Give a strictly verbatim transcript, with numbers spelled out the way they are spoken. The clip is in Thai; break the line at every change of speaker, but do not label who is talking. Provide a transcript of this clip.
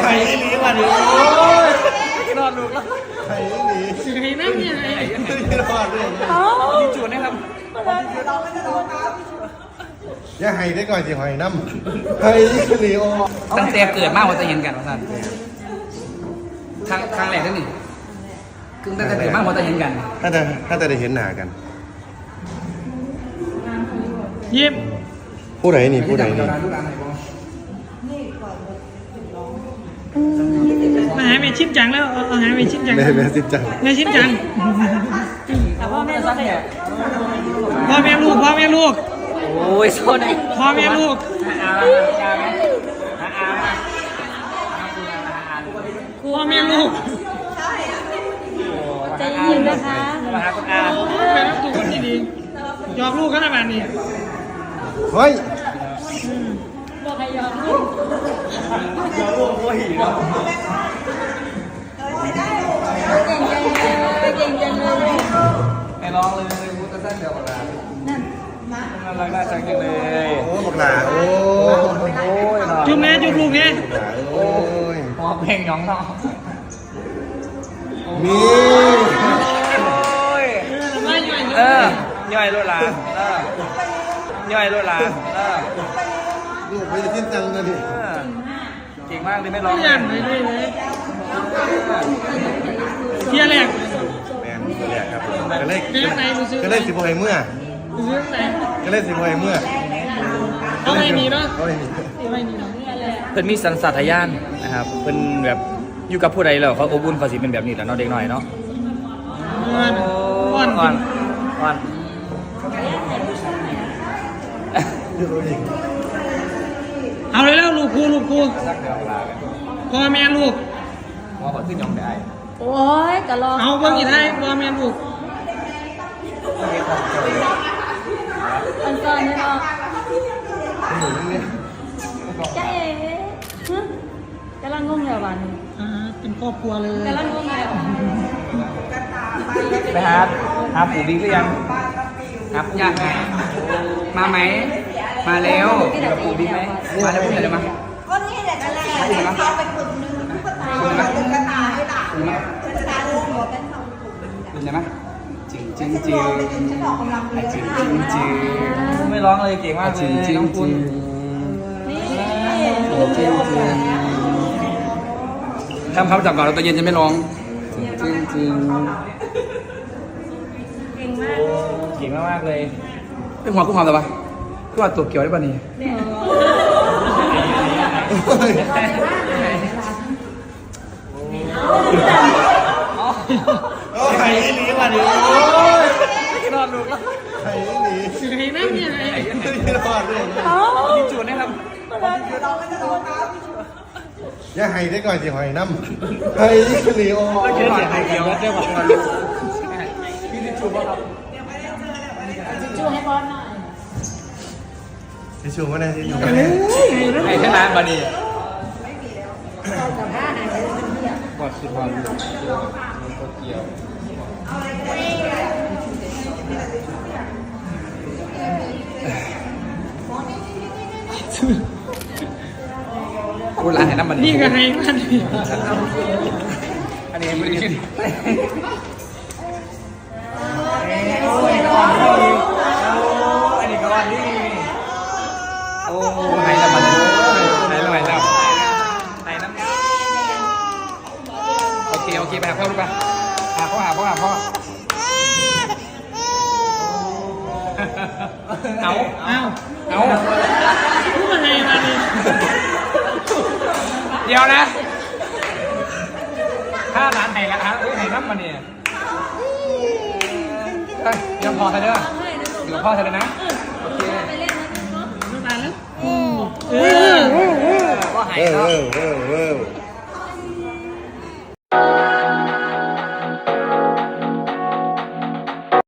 ข่หนีมาดิโอ้ยนอนลูกแล้วไข่หนีสิไข่นั่งยังไงนอนเลยที่จุดนะครับอย่าไห้ได้ก่อนสิหอยน้ำไห้หนีโอ
ตั้งแต่เกิดมากว่าจะเห็นกันว่าสั้นครั้งครั้งแรกนั่นนี่คือตั้งแต่เกิดมากว่าจะเห็นกัน
ถ้าจะถ้าจะได้เห็นหน้ากันยิ้มผู้ใดนี่ผู้ใดนี่
มาหาเมชิมจังแล้วเอาหาเมชิมจัง
เมชิมจัง
เมชิมจังพ่อแม่ลูกพ่อแม่ลูกพ่อแม่ลูก
โอ้ยโซน
พ่อแม่ลูกพ่อแม่ลูก
ใจเย็นนะคะ
มาหาคุณอา
แม่ตัวคนดีๆยอกลูกขนาดนี้
เฮ้ย
บอกให้ยอกลูก
ยอกลูกโอ้ยเนาะ
เก่งจังเลยเก่งจังเลย
ไอ้ร้องเลยพูดสั้นเดียวกันนะนั่นมาน่ารักน่าชังจังเลย
โอ้บอกหลาโอ้
โอ้ย
จุ๊บแม่จุ๊บลูกเนี่ย
โอ้ย
พอเพลงน้องน้อง
มี
เออย่อยรถลาเออย่อยรถลาเออ
ลูกไม่ได้ทิ้งจังเลยดิ
เก่งมากเลยไม่ร้อง
เลยเลยเลยเที่ยแรก
แมนเที่ยแรกครับก็เลยก็เลยสิบหกเมื่อก็เลยสิบหกเมื่อ
เอาไม่มีเนาะ
เอาไม่มี
ไม่มีเนาะ
เพิ่นมีสัญชาตญาณนะครับเพิ่นแบบอยู่กับผู้ใดแล้วเขาอบอุ่นเขาสิเป็นแบบนี้แหละเนาะเด็กหน่อยเนาะ
อ่อน
อ่อนอ่อน
เอาเลยแล้วลูกกูลูกกูพ่อแม่ลูก
พ่อขอขึ้นยองได้
โอ้ยกะลอ
เอาเบิ่งอีกให้พ่อแม่ลูก
อันก่อนนี่เนาะจ๊ะเอ๋กำลังงงอยู่บ้านนี้
อ่าเป็นครอบครัวเลย
กำลังงงอยู่
ไปหาหาปู่บิ๊กหรือยังครับอยากมาไหมมาแล้วกับปู่บิ๊กไหมมาแล้วพูดอะไรมา
ก็นี่แหละนั่นแหละเขาไปกลุ่มนึงตุ๊กตาตุ๊กตาให้หลานตุ๊กตาลูกหัวเป็นสองกลุ่ม
เป็นไงไหมจริงจริงจริงจริง
ฉันออกกำลังเลย
จริงจริงจริงไม่ร้องเลยเก่งมากเลยน้องคุณ
นี่
จริงจริงทำคำจับก่อนเราตอนเย็นจะไม่ร้องจริงจริง
เก่งมาก
เก่งมากเลยเป็นหัวกุ้งหอมแต่ปะกุ้งหอมตัวเกี่ยวได้ป่ะนี่
โอ้ไข่หนีมาดิโอ้ย
นอนลูกแล้ว
ไข่หนี
สิไข่นั่งยังไง
นอนเลย
ที่จุดนะครับ
อย่าไห้ได้ก่อนสิหอยน้ำไห้หนีโอ้
ยเขียนเสียงไห้เดียวได้ป่ะพี่ที่จุดป่ะครับ
จูให้บอลหน่อย
ที่ชูมาได้ที่ชู
มาได้ไอ้แค่นั้นบานีกอดสุดพอลูกกอดเกี่ยวกูร้านไหนน้ำมัน
นี่ก็ให้มัน
อันนี้ไม่ได้กินอันนี้ก็วันนี้โอ้ไหนน้ำมันไหนน้ำมันแล้วไหนน้ำโอเคโอเคไปหาพ่อลูกไปหาพ่อหาพ่อหาพ่อเอา
เอา
เอา
พูดมาไงมาดิ
เดี๋ยวนะถ้าร้านไหนละครับไหนน้ำมันเนี่ยยังพอเธอเด้ออยู่กับพ่อเธอเลยนะโอเค
น้ำตาลแล้ว
เออก็หายเนาะ